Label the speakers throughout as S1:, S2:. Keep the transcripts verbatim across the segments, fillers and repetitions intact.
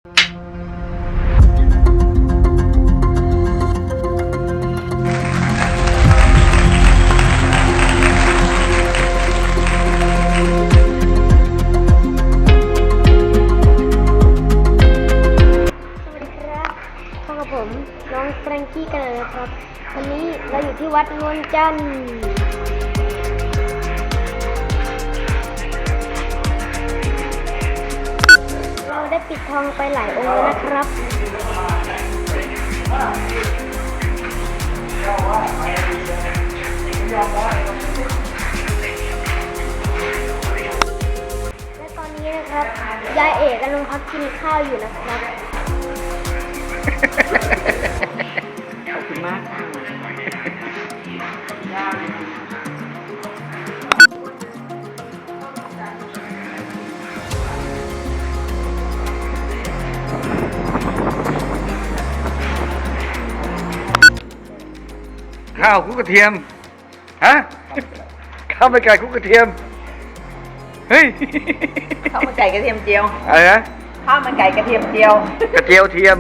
S1: ผมน้องแฟรงกี้กันเลยนะครับวันนี้เราอยู่ที่วัดนวลจันทร์เราได้ปิดทองไปหลายองค์แล้วนะครับและตอนนี้นะครับยายเอกกำลังพักกินข้าวอยู่นะครับ
S2: ขอบคุณมากค่ะ
S3: ข้าวคลุกกระเทียมฮะข้าวมันไก่คลุกกระเทียมเฮ้ย
S2: ข้าวมันไก่กระเทียมเจียว
S3: อะไรนะ
S2: ข้าวมันไก่กระเทียมเจียว
S3: กระเจียวเทียม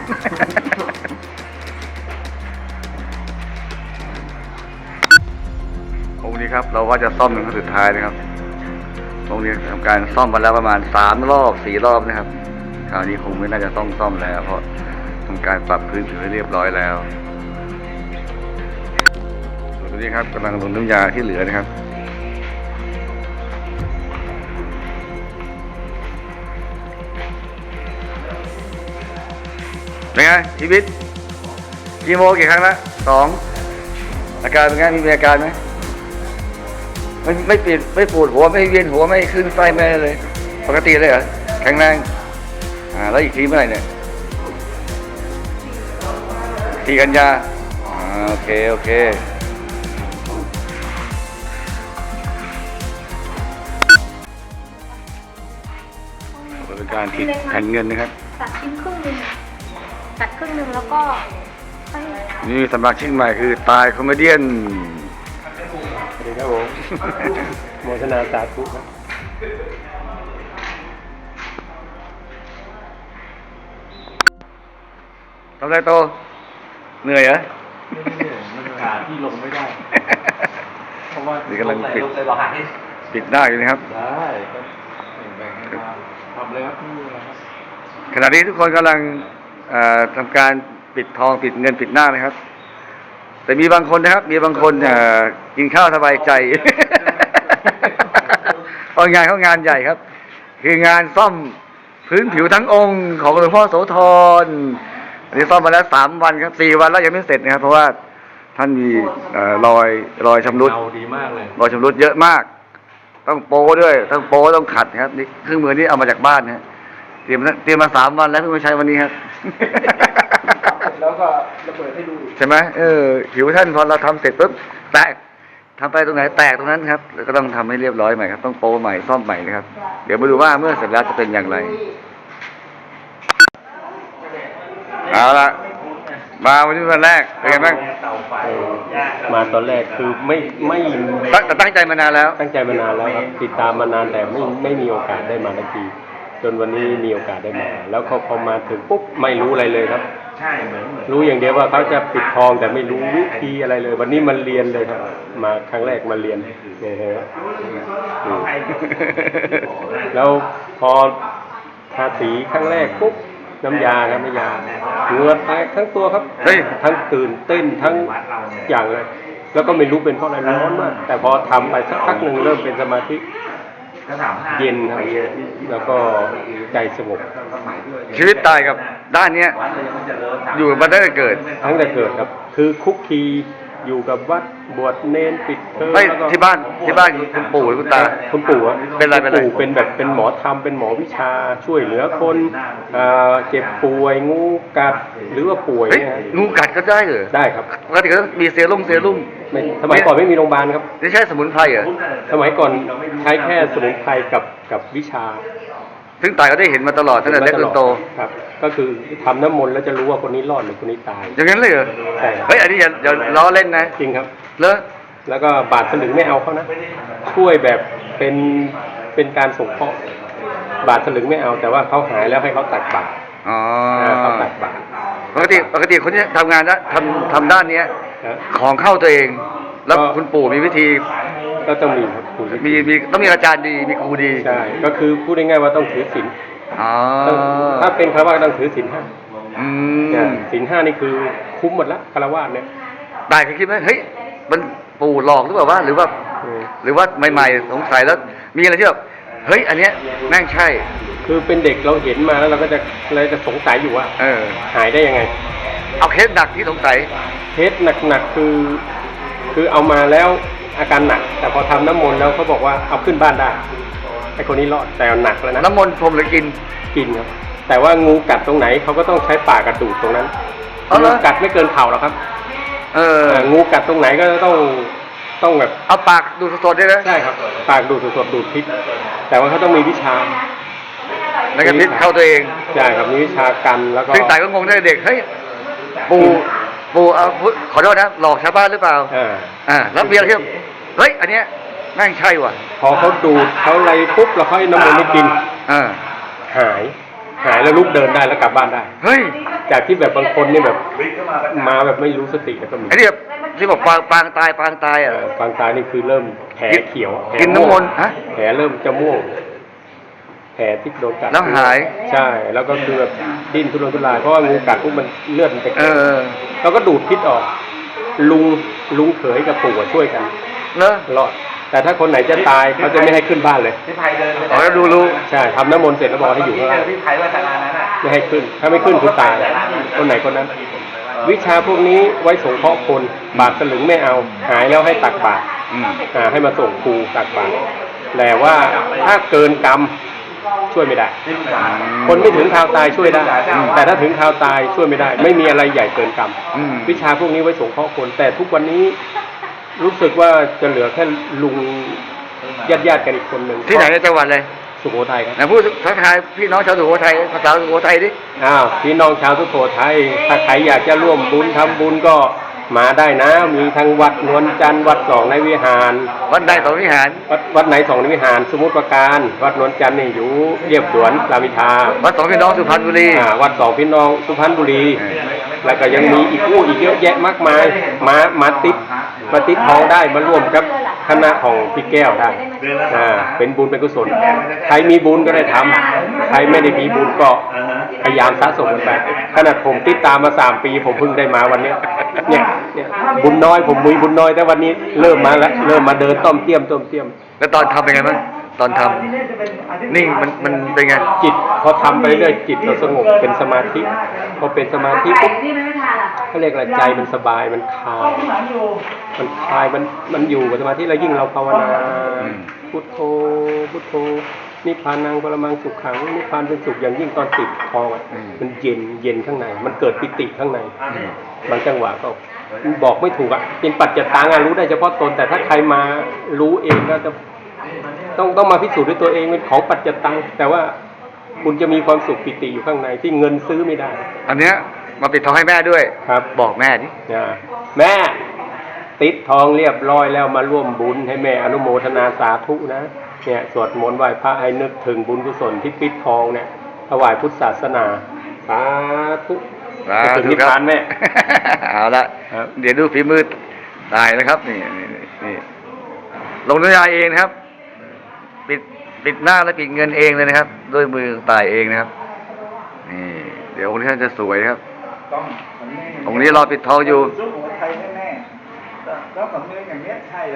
S3: องค์นี้ครับเราว่าจะซ่อมเป็นครั้งสุดท้ายนะครับองค์นี้ทำการซ่อมมาแล้วประมาณสามรอบสี่รอบนะครับคราวนี้คงไม่น่าจะต้องซ่อมแล้วเพราะทำการปรับพื้นผิวให้เรียบร้อยแล้วส่วนตัวนี้ครับกำลังลงน้ำยาที่เหลือนะครับเป็นไงชีวิตกี่โมกี่ครั้งละสองอาการเป็นไงมีอาการไหมไม่ไม่ปวดไม่ปวดหัวไม่เวียนหัวไม่ขึ้นไส้ไม่เลยปกติเลยเหรอแข็งแรงอ่าแล้วอีกทีเมื่อไหร่เนี่ยทีกันยาอ่าโอเคโอเคเป็นการติดแผ่นเงินนะครับ
S1: ตัดชิ้นครึ่งหนึ่งตัดครึ่งหนึ่งแล้วก็
S3: นี่สมาชิกใหม่คือตายคอมเมเดี้ส
S4: สวัสดีครับผมโมทนาสาธุครับ
S3: ทำไรโตเหนื่อยเหรอ
S4: มันขาที่ลงไม่ได้เพราะว่า
S3: นี่กำลังปิดปิดหน้าอยู่นะครับ
S4: ได้แบ่งให้มาทำเลยครับนี่นะครับ
S3: ขณะนี้ทุกคนกำลังทำการปิดทองปิดเงินปิดหน้านะครับแต่มีบางคนนะครับมีบางคนกินข้าวสบายใจเพราะงานเขางานใหญ่ครับคืองานซ่อมพื้นผิวทั้งองค์ของหลวงพ่อโสธรอันนี้ซ่อมมาแล้วสามวันครับสี่วันแล้วยังไม่เสร็จนะครับเพราะว่าท่านมีรอยรอยชำรุด
S4: ดีมากเลย
S3: รอยชำรุดเยอะมากต้องโป้ด้วยต้องโป้ต้องขัดครับนี่เครื่องมือนี้เอามาจากบ้านนะเตรียมเตรียมมาสามวันแล้วเพิ่งมาใช้วันนี้ครับ
S4: แล้วก็ระเบิดให้ดู
S3: ใช่ไหมเออผิวท่านพอเราทำเสร็จปุ๊บแตกทำไปตรงไหนแตกตรงนั้นครับแล้วก็ต้องทำให้เรียบร้อยใหม่ครับต้องโป้ใหม่ซ่อมใหม่นะครับเดี๋ยวมาดูว่าเมื่อเสร็จแล้วจะเป็นอย่างไรเอาละมาวันนี้วันแรกเป็นไงบ้าง
S4: มาตอนแรกคือไม่ไม่
S3: แต่ตั้งใจมานานแล้ว
S4: ตั้งใจมานานแล้วครับติดตามมานานแต่ไม่ไม่มีโอกาสได้มาสักทีจนวันนี้มีโอกาสได้มาแล้วเขาพอมาถึงปุ๊บไม่รู้อะไรเลยครับใช่เหมือนรู้อย่างเดียวว่าเขาจะปิดทองแต่ไม่รู้วิธีอะไรเลยวันนี้มันเรียนเลยครับมาครั้งแรกมาเรียนเนี่ยฮะแล้วพอทาสีครั้งแรกปุ๊บน้ำยาครับน้ำยาเหงื่อแตกทั้งตัวครับทั้งตื่นเต้นทั้งอย่างเลยแล้วก็ไม่รู้เป็นเพราะอะไรร้อนมากแต่พอทำไปสักพักหนึ่งเริ่มเป็นสมาธิเย็นครับแล้วก็ใจสงบ
S3: ชีวิตตายกับด้านเนี้ยอยู่มาตั้งแต่เกิด
S4: ตั้งแต่เกิดครับคือคุกคีอยู่กับวัดบวชเนนปิดเทอม
S3: ไม่ที่บ้านที่บ้านคุณปู่หรือคุณตา
S4: คุณปู่
S3: เป็นอะไรเป็น
S4: ปู่เป็นแบบเป็นหมอธรรมเป็นหมอวิชาช่วยเหลือคนเจ็บป่วยงูกัดหรือว่าป่วย
S3: งูกัดก็ได้เหรอ
S4: ได้ครับ
S3: ปกติก็มีเซรุ่มเซรุ่ม
S4: สมัยก่อนไม่มีโรงพยาบาลครับ
S3: ไม่ใช่สมุนไพรเหรอ
S4: สมัยก่อนใช้แค่สมุนไพรกับกับวิชา
S3: ซึ่งตายก็ได้เห็นมาตลอดตั้งแต่เล็กจนโต
S4: ครับก็คือทำน้ำมนต์แล้วจะรู้ว่าคนนี้รอดหรือคนนี้ตาย
S3: อย่างนั้นเลยเหรอ
S4: ใช่
S3: เฮ้ยอันนี้อย่าอย่าล้อเล่นนะ
S4: จริงครับ
S3: แล้ว
S4: แล้วก็บาทสลึงไม่เอาเขานะช่วยแบบเป็นเป็นการสงเคราะห์บาทสลึงไม่เอาแต่ว่าเขาหายแล้วให้เขาตักบาตร
S3: อ๋อ
S4: เขาตักบาตร
S3: ปกติปกติคนที่ทำงานนะทำทำด้านเนี้ย
S4: นะ
S3: ของเข้าตัวเอง แล้วคุณปู่มีวิธี
S4: ก็ต้องมีครับปู่
S3: มีมีต้องมีอาจารย์ดีมีครูดี
S4: ใช่ก็คือพูดง่ายๆว่าต้องถือศีล
S3: อ๋อ
S4: ต้องถ้าเป็นคารวะก็ต้องถือศีลห้า
S3: อื
S4: เนี่ย
S3: ม
S4: ศีลห้านี่คือคุ้มหมดละคารวะเนี่ย
S3: ได้เคยคิดไหมเฮ้ยมันปู่หลอกหรือเปล่าว่าหรือว่า
S4: อืม
S3: หรือว่าใหม่ๆสงสัยแล้วมีอะไรที่แบบเฮ้ยอันเนี้ยแม่งใช่
S4: คือเป็นเด็กเราเห็นมาแล้วเราก็จะเราจะสงสัยอยู่ว่า
S3: เออ
S4: หายได้ยังไง
S3: เอาเคสหนักที่สงสัย
S4: เคสหนักๆคือ คือเอามาแล้วอาการหนัก แต่พอทำน้ำมนต์แล้วเขาบอกว่าเอาขึ้นบ้านได้ไอ้คนนี้รอดแต่หนักแล้วนะ
S3: น้ำมนต์พรมหรือกิน
S4: กินครับแต่ว่างูกัดตรงไหนเขาก็ต้องใช้ปากกระดูดตรงนั้น
S3: เอาเหร
S4: งู
S3: อ
S4: กัดไม่เกินเข่าหรอกครับ
S3: เออ
S4: อ่างูกัดตรงไหนก็ต้องต้องแบบ
S3: เอาปากดูสดๆได้นะ
S4: ใช่ครับปากดูดสดๆดูดพิษแต่ว่าเขาต้องมีวิชา
S3: แล้วก็พิษเข้าตัวเอง
S4: ใช่ครับมีวิชากันแล้วก็
S3: ซึ่งสายก็งงได้เด็กเฮ้ยปู่ปู่เอาขอโทษนะหลอกชาวบ้านหรือเปล่า
S4: อ่า
S3: อ่าแล้วเบียร์ที่เฮ้ยอันเนี้ยแม่งใช่ว่ะ
S4: พอเขาดูดเขาอะไรปุ๊บแล้วเขาให้น้ำมันต์ให้กิน
S3: อ่า
S4: หาย หายแล้วลุกเดินได้แล้วกลับบ้านได้
S3: เฮ้ย
S4: จากที่แบบบางคนนี่แบบมาแบบไม่รู้สติแล้วก็มี
S3: ไอ้ที่แบบที่บอกปางปางตายปางตายอ่ะ
S4: เอ่อฟางตายนี่คือเริ่มแผลเขียวแผล
S3: กินน้ำมนต์ฮะ
S4: แผลเริ่มจะม่วงแผลที่โดนกัด
S3: แล้วหาย
S4: ใช่ แล้วก็คือแบบดิ้นทุรนทุรายเพราะว่างูกัดปุ๊บมันเลือดมันไป
S3: เออ
S4: แล้วก็ดูดพิษออก ลุงลุงเขยกับปู่อะช่วยกัน
S3: เนอะ
S4: รอด แต่ถ้าคนไหนจะตายเขาจะไม่ให้ขึ้นบ้านเลย
S2: พี่ไผ่เดินไป
S3: ขอแล้วดูรู้
S4: ใช่ทำน้ำมนต์เสร็จแล้วบอกให้อยู่ข้างล่าง
S2: พี่ไผ่วัฒนานั้นอ่ะ
S4: ไม่ให้ขึ้น ถ้าไม่ขึ้นคือตาย คนไหนคนนั้น วิชาพวกนี้ไว้สงเคราะห์คน บาทสลึงไม่เอา หายแล้วให้ตักบาตร
S3: อืม
S4: อ่าให้มาส่งครูตักบาตรแต่ว่าถ้าเกินกรรมช่วยไม่ได้ คนไม่ถึงคราวตายช่วยได้ แต่ถ้าถึงคราวตายช่วยไม่ได้ ไม่มีอะไรใหญ่เกินกรรม
S3: อืม
S4: วิชาพวกนี้ไว้สงเคราะห์คน แต่ทุกวันนี้รู้สึกว่าจะเหลือแค่ลุงญาติญาติๆกันอีกคนหนึ่ง
S3: ที่ไหนในจังหวัดเลย
S4: สุโขทัยครับ
S3: ไหนพูดทักทายพี่น้องชาวสุโขทัยภาษาสุโขทัยดิ
S4: อ้าวพี่น้องชาวสุโขทัยถ้าใครอยากจะร่วมบุญทำบุญก็มาได้นะ มีทั้งวัดนวลจันทร์วัดสองในวิหาร
S3: วัดใดสองวิหาร
S4: วัดวัดไหนสองในวิหาร สมุทรปราการวัดนวลจันทร์นี่อยู่เรียบสวนรามอินทรา
S3: วัดสองพี่น้องสุพรรณบุรี
S4: อ่าวัดสองพี่น้องสุพรรณบุรี
S3: เออ
S4: แล้วก็ยังมีอีกอู้อีกเยอะแยะมากมายมามาติดมาติดทองได้มาร่วมกับคณะของพี่แก้วได้อ่าเป็นบุญเป็นกุศลใครมีบุญก็ได้ทำใครไม่ได้มีบุญก็พยายามสะสมกันไปขนาดผมติดตามมาสามปี ผมเพิ่งได้มาวันเนี้ยเนี่ยเนี่ยบุญน้อยผมมีบุญน้อยแต่วันนี้เริ่มมาแล้วเริ่มมาเดินต้อมเตี้ยมต้อมเตี้ยม
S3: แล้วตอนทำเป็นไงบ้างตอนทำนิ่งมันมันเป็นไง
S4: จิตพอทำไปเรื่อยจิตเราสงบเป็นสมาธิพอเป็นสมาธิปุ๊บเขาเรียกอะไรใจมันสบายมันคลายมันคลายมันมันอยู่กับสมาธิแล้วยิ่งเราภาวนาพุทโธพุทโธนิพพานังปรมังสุขขังนิพพานเป็นสุขอย่างยิ่งตอนติดคออะมันเย็นเย็นข้างในมันเกิดปิติข้างในบางจังหวะก็บอกไม่ถูกอ่ะเป็นปัจจตังอ่ะรู้ได้เฉพาะตนแต่ถ้าใครมารู้เองก็จะต้องต้องมาพิสูจน์ด้วยตัวเองเป็นของปัจจตังแต่ว่าคุณจะมีความสุขปิติอยู่ข้างในที่เงินซื้อไม่ได้
S3: อันเนี้ยมาปิดทองให้แม่ด้วย
S4: ครับ
S3: บอกแม่ดิ
S4: นะแม่ติดทองเรียบร้อยแล้วมาร่วมบุญให้แม่อนุโมทนาสาธุนะเนี่ยสวดมนต์ไหว้พระให้นึกถึงบุญกุศลที่ปิดทองเนี่ยถวายพุทธศาสนาสาธุ
S3: สา
S4: ถึง
S3: ธุ
S4: นิพ
S3: ครับ
S4: พานแม่
S3: เอาละ
S4: ครับ
S3: เดี๋ยวดูฝีมือตายนะครับนี่นี่นี่ลงน้ำยาเองนะครับ ปิดปิดหน้าและปิดเงินเองเลยนะครับด้วยมือตายเองนะครับนี่เดี๋ยวองค์นี้ท่านจะสวยนะครับองค์นี้รอปิดทองอยู่
S5: สุโขทัยแน่ๆแล้วสำเนียงอย่างเนี้ยใช่เลย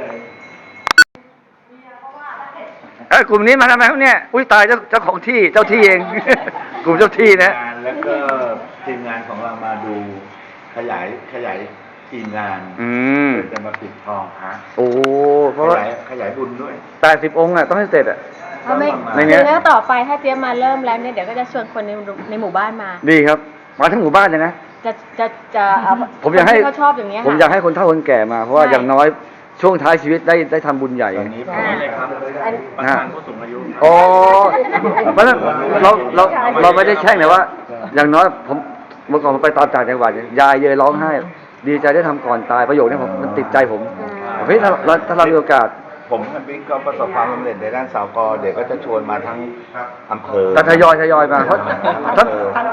S3: เอ้ยกลุ่มนี้มาทำไมครับเนี่ยอุ้ยตายเจ้าเจ้าของที่เจ้าที่เอง กลุ่มเจ้าที่นะ
S5: งานแล้วก็ทีมงานของเรามาดูขยายขยายทีมงาน
S3: อืม
S5: เพื่อจะมาปิดทองพระ
S3: โอ้เพ
S5: ข
S3: ราะว่าย
S5: ายขยายบุญด้วย
S3: แปดสิบองค์อ่ะต้องให้เสร็จอ่ะ
S1: ถ้าไม่
S3: ไม่งั้น
S1: คือแล้วต่อไปถ้าเจี๊ยบมาเริ่มแล้วเนี่ยเดี๋ยวก็จะชวนคนในในหมู่บ้านมา
S3: ดีครับ มาทั้งหมู่บ้านเลยนะ
S1: จะจะจะเอา
S3: ผมอยากให้
S1: คนที่เขาชอบอย่างเงี้ย
S3: ผม
S1: ค่ะ
S3: อยากให้คนเฒ่าคนแก่มาเพราะว่า
S1: ใช่
S3: อย่างน้อยช่วงท้ายชีวิตได้ได้ทำบุญใหญ่
S5: ตอนนี้ผม
S1: อ่าอัน
S5: ประธานผู้สูงอายุ
S3: โอ้เพราะฉะนั้นเราเราเราไม่ได้แช่งนะว่า อย่างน้อยผมเมื่อก่อนผมไปตามต่างจังหวัดเนี่ยยายเยยร้องไห้ ดีใจได้ทำก่อนตายประโยคนี้ผมมันติดใจผมเฮ้ยถ้าเราถ้าเรามีโอกาส
S5: ผมกับบิ๊กก็ประสบความสำเร็จในด้านสาวกอเดี๋ยวก็จะชวนมาทั้งอำเภอ
S3: แต่ทยอยทยอยมาเพราะทั้ง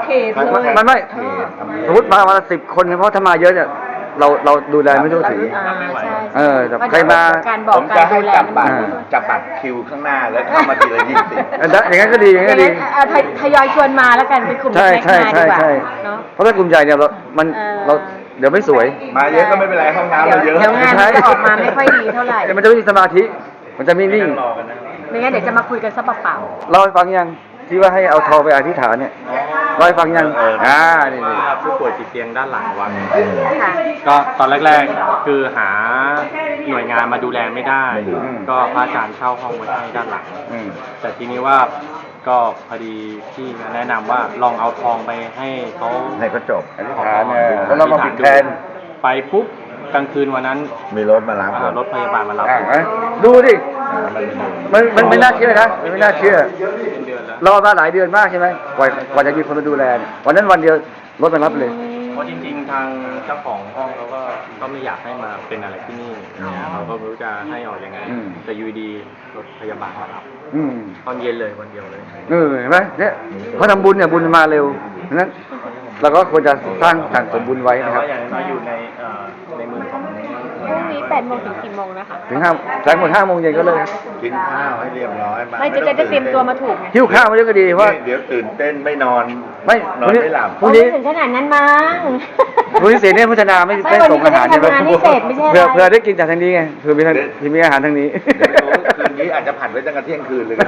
S2: เขตเลย
S3: ไม่ไม่สมมติมาวันละสิบคนเพราะถ้ามาเยอะเนี่ยเราเราดูแลไม่ทั่วถึง
S1: อ่าใช่
S3: เออแต่ใครมา
S1: การบอ
S5: ผ
S1: ก
S5: ม
S1: กา
S5: จะ
S1: ร
S5: ให้
S1: ดูแล
S5: จับบัตร
S3: อ่า
S5: จับบัตรคิวข้างหน้าแล้วเข้ามาทีละยี่สิบ
S3: อันนั้นอย่างนั้นก็ดีอย่างนั้นก็ดี
S1: อ่ะทยทยอยชวนมาแล้วกันเป็นกลุ่ม
S3: ใช่
S1: เล็กๆ
S3: ใช่
S1: มาดี
S3: ใช่
S1: กว่า
S3: ใช่
S1: เนาะ
S3: เพราะถ้ากลุ่มใหญ่เนี่ยเรา มัน
S1: เออ
S3: เราเดี๋ยวไม่สวย
S5: มาเยอะก็ไม่เป็นไรห้องน้ำ
S1: เดี๋ยว
S5: เราเยอะ
S1: เดี๋ยวงานมันจะออกมาไม่ค่อยดีเท่าไหร่
S3: เดี๋ยวมันจะไม่มีสมาธิ มันจะไม่นิ่ง
S1: ไม่งั้นเดี๋ยวจะมาคุยกันซะเปล่า
S3: เล่าให้ฟังยังที่ว่าให้เอาทองไปอธิษฐานเนี่ยเล่าให้ฟังยังอ่านี่นี่
S4: ผู้ป่วยติดเตียงด้านหลังวัด
S1: ๆค่ะ
S4: ก็ตอนแรกๆคือหาหน่วยงานมาดูแลไม่ได้ ก็พระอาจารย์เช่าห้องไว้ให้ด้านหลัง
S3: อืม
S4: แต่ทีนี้ว่าก็พอดีพี่มาแนะนำว่าลองเอาทองไปให้เขา
S5: ให้ก็จบ
S3: อธิษฐานเนี่ยแล้วเรามาปิดแทน
S4: ไปปุ๊บกลางคืนวันนั้น
S5: มีรถมารับ
S4: อ่ารถพยาบาลมารับ
S3: อ่าไหมดูดิ
S5: อ่ามัน
S3: มันมันไม่น่าเชื่อนะมันไม่น่าเชื่อ
S4: เป็นเดือนแล้ว
S3: รอมาหลายเดือนมากใช่ไหมกว่ากว่าจะมีคนมาดูแลเนี่ยวันนั้นวันเดียวรถมารับเลย
S4: เพราะจริงๆ ทางเจ้าของห้องเขาก็ก็ไม่อยากให้มาเป็นอะไรที่นี่เขาก็ไม่รู้จะให้ออกยังไง
S3: อืม
S4: แต่อยูดีรถพยาบาลมารับ
S3: อืม
S4: ตอนเย็นเลยวันเดียวเลย
S3: เออเห็นไหมเนี่ยเขาทำบุญเนี่ยบุญมาเร็วฉะนั้นเราก็ควรจะสร้างสั่งสมบุญไว้
S4: แต่
S3: นะครับ
S4: ว่าอย่างน้อยอยู่ในเอ่อในมือของ
S1: พรุ่งนี้แปดโมงถึงกี่โมงนะคะ
S3: ถึงห้าแสงหมดห้าโมงเย็นก็เลยครับ
S5: กินข้าวให้เรียบร้อยมา
S1: ไม่จะจะจะเตรียมตัวมาถูกไง
S3: หิ้วข้าวมาด้วยก็ดีเพราะว่า
S5: เดี๋ยวตื่นเต้นไม่นอน
S3: ไม่
S5: นอนไม่หลับ
S3: พรุ่งนี้
S1: โอ้ไม่ถึงขนาดนั้นมั้ง
S3: พรุ่งนี้เสร็จเนี่ยพัฒนาไม่
S1: ไม่
S3: ไม่
S1: วันนี้
S3: ส่งอาหาร
S1: ไม่ได้ทำงานให้เสร็จไม่ใช่อะไร
S3: เพื่อเพื่อได้กินจากทางนี้ไงเพื่อมีทางที่มีอาหารทางนี้
S5: เดี๋ยวรู้คืนนี้อาจจะผัดไว้ตั้งแต่เที่ยงคืนเลยก็ได้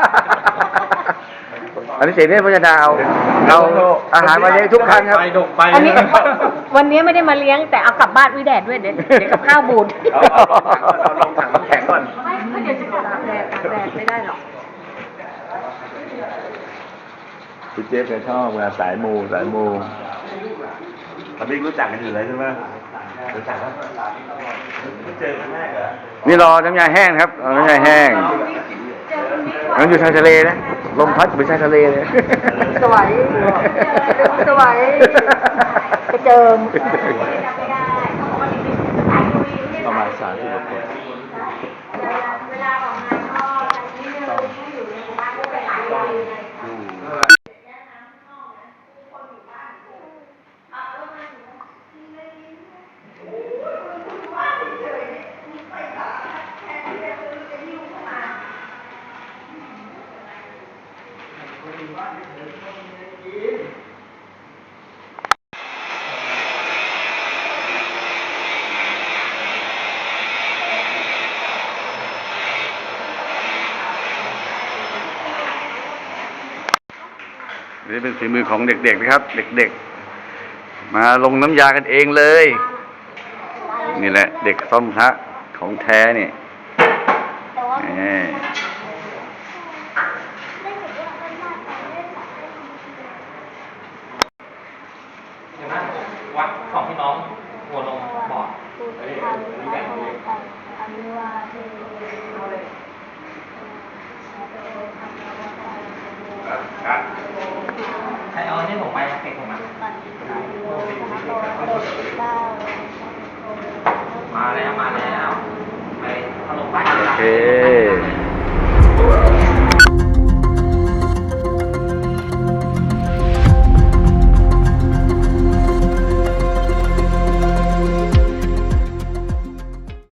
S3: อันนี้เสร็จเนี่ยพัฒนาเอาเอาอาหารมาเลี้ยงทุกครั้งครับ
S4: ไปดกไป
S1: อันนี้วันนี้ไม่ได้มาเลี้ยงแต่เอากลับบ้านวิแดดด้วยเดี๋ยวเดี๋ยวกับข้าวบูด
S5: เอาเอาลงถังน้ำแข็งก่อน
S1: ไม่เดี๋ยวจะกลับตากแดดตากแดดไม่ได้หรอก
S5: พี่เจ๊เคยชอบงานสายมูสายมูตอนนี้รู้จักกันอยู่เลยใช่ไหมรู้จักครับไม่เจอครั้งแรกเหรอ
S3: นี่รอน้ำยาแห้งครับรอน้ำยาแห้งมันอยู่ชายทะเลนะลมพัดเหมือนชายทะเลเลย
S1: สวยสวยกระเจิม
S5: ประมาณสามสิบกว่าคน
S3: นี่เป็นฝีมือของเด็กๆนะครับ เด็กๆ มาลงน้ำยากันเองเลย นี่แหละ เด็กซ่อมพระของแท้เนี่ยนี่
S4: วัดสองพี่น้องหัวลงบอด ใครเอาเนี่ยผมไปเก็บผมมามาแล้วมาแล้วไปถล่มบ้าน
S3: โอเค